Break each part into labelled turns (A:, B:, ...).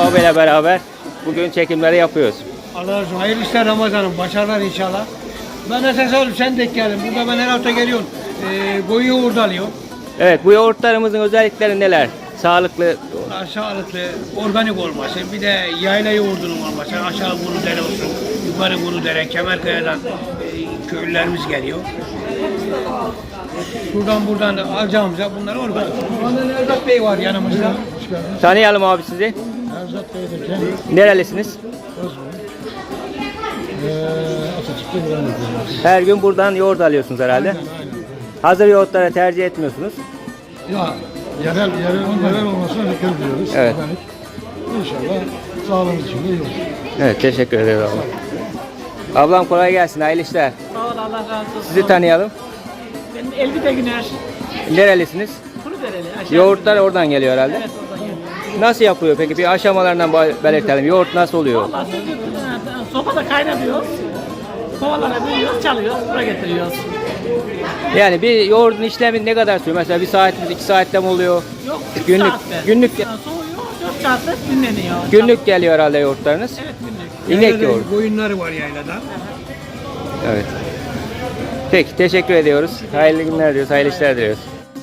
A: abiyle beraber bugün çekimleri yapıyoruz.
B: Allah razı olsun. Hayırlı işler Ramazan'ım. Başarılar inşallah. Ben esas alıp sen de geldin. Burada ben her hafta geliyorum. Koyun yoğurdu alıyorum.
A: Evet, bu yoğurtlarımızın özellikleri neler? Sağlıklı.
B: Sağlıklı, organik olması, bir de yayla yoğurdunun olması. Aşağı Kurudere olsun, yukarı Kurudere, Kemerkaya'dan köylülerimiz geliyor. Şuradan buradan da alacağımıza bunlar organik. Ondan Erzat Bey var yanımızda.
A: Tanıyalım abi sizi.
C: Erzat Bey'deki
A: Nerelisiniz?
C: Atatürk'te güven ediyoruz.
A: Her gün buradan yoğurt alıyorsunuz herhalde.
C: Aynen.
A: Hazır yoğurtları tercih etmiyorsunuz.
C: Ya yerel olmasına dikkat ediyoruz.
A: Evet.
C: Organik. İnşallah sağlığımız için de iyi olur.
A: Evet, teşekkür ederim ablam. Ablam kolay gelsin, hayırlı işler.
D: Sağ ol, Allah razı olsun.
A: Sizi tanıyalım.
D: Benim Elbide Güner.
A: Nerelisiniz?
D: Kurudereli. Aşağı.
A: Yoğurtlar oradan geliyor herhalde.
D: Evet, oradan geliyor.
A: Nasıl yapıyor peki? Bir aşamalarından belirtelim. Yoğurt nasıl oluyor?
D: Vallahi sopada kaynatıyoruz. Kovalara veriyoruz, çalıyoruz, buraya getiriyoruz.
A: Yani bir yoğurdun işlemi ne kadar sürüyor? Mesela 1 saat mi, 2 saatte mi oluyor?
D: Yok, 3
A: Günlük,
D: saatte.
A: günlük,
D: Soğuyor, 4 saatte dinleniyor.
A: günlük geliyor herhalde yoğurtlarınız.
D: Evet, günlük.
A: İnek
B: Yaylada
A: yoğurdu.
B: Koyunları var yaylada.
A: Evet. Peki, teşekkür ediyoruz. Hayırlı günler diyoruz, hayırlı işler diliyoruz.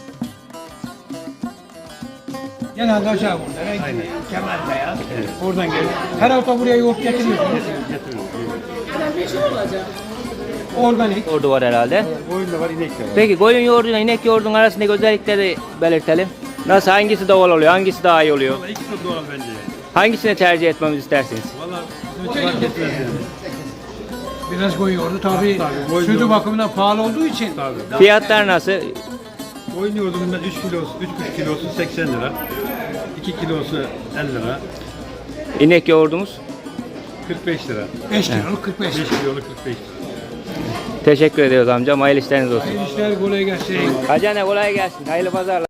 B: Genelde aşağı Kurudere, Kemerkaya. Oradan geliyor. Her hafta buraya yoğurt getiriyorsunuz. Organik.
A: Yoğurdu var herhalde.
C: Koyun da var, inek de var.
A: Peki koyun yoğurduyla inek yoğurdunun arasındaki özellikleri belirtelim. Nasıl, hangisi doğal oluyor, hangisi daha iyi oluyor?
C: İkisi de doğal bence.
A: Hangisini tercih etmemizi istersiniz?
C: Valla fark etmez yani.
B: Biraz koyun yoğurdu. Tabii
C: koyun
B: sütü
C: yoğurdu.
B: bakımından pahalı olduğu için.
C: Tabii.
A: Fiyatlar nasıl?
C: Koyun yoğurdunun 3 kilosu, 3,5 kilosu 80 lira. 2 kilosu 50 lira.
A: İnek yoğurdumuz.
C: 45 lira.
B: 5 kiloluk 45
C: 5
B: lira.
C: kiloluk 45 lira.
A: Teşekkür ediyoruz amcam. Hayırlı işleriniz olsun.
B: Hayırlı işler kolay gelsin.
A: Hacı kolay gelsin. Hayırlı pazarlar.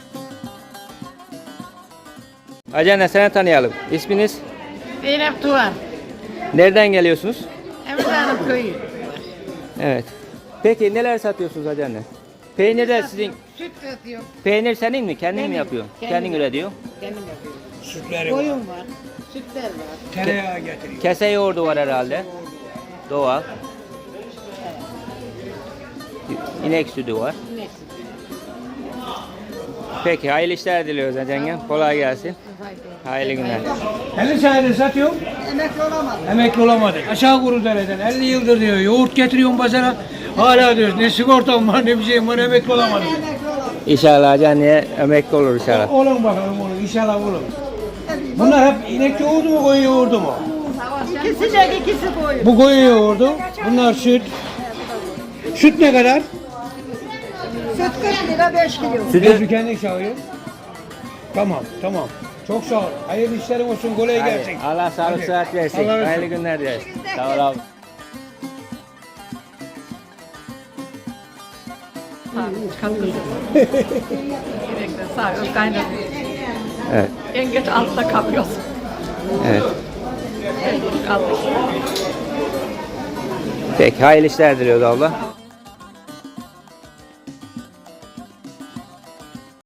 A: Hacı seni tanıyalım. İsminiz?
E: Zeynep Tuğan,
A: Nereden geliyorsunuz?
E: Emre Hanım köyü.
A: Evet. Peki neler satıyorsunuz Hacı anne? Peynir de sizin.
E: Süt satıyor,
A: Peynir senin mi? Kendin mi
E: Benim.
A: yapıyorsun?
E: Kendim.
A: Kendin üretiyor.
E: kendim yapıyorum.
B: Sütleri var.
E: Koyun var, sütler var.
B: Tereyağı getiriyor.
A: Kese yoğurdu var herhalde. Doğal. İnek sütü var.
E: Neyse.
A: Peki hayırlı işler diliyoruz Hacı yengem. Kolay gelsin. Hayırlı günler.
B: 50 senedir satıyor.
E: Emekli olamadım.
B: Emekli olamadı. Aşağı Kurudere'den 50 yıldır diyor. Yoğurt getiriyorum pazara. Hala diyor ne sigortam var ne bir şeyim var emekli olamadım.
A: İnşallah Hacı anneye emekli olur inşallah.
B: Olun bakalım olun inşallah olun. Bunlar hep inek yoğurdu mu koyun yoğurdu mu?
E: İkisi de ikisi koyun.
B: Bu koyun yoğurdu. Bunlar süt. Süt ne kadar?
E: Süt 40 lira 5 kilo.
B: Sütü kendi çağırıyor. Tamam tamam. Çok sağ ol. Hayırlı işlerin olsun. Kolay
A: Hadi,
B: gelsin.
A: Allah sağlık
B: Hadi.
A: sıhhat versin.
B: Allah razı
A: Hayırlı
B: olsun.
A: günler dileriz. Sağ ol abi.
D: Gerekli sağ ol, kaynatıyor.
A: Evet.
D: En geç altta kalıyoruz.
A: Evet.
D: Kaldık.
A: Peki hayırlı işler diliyoruz abla.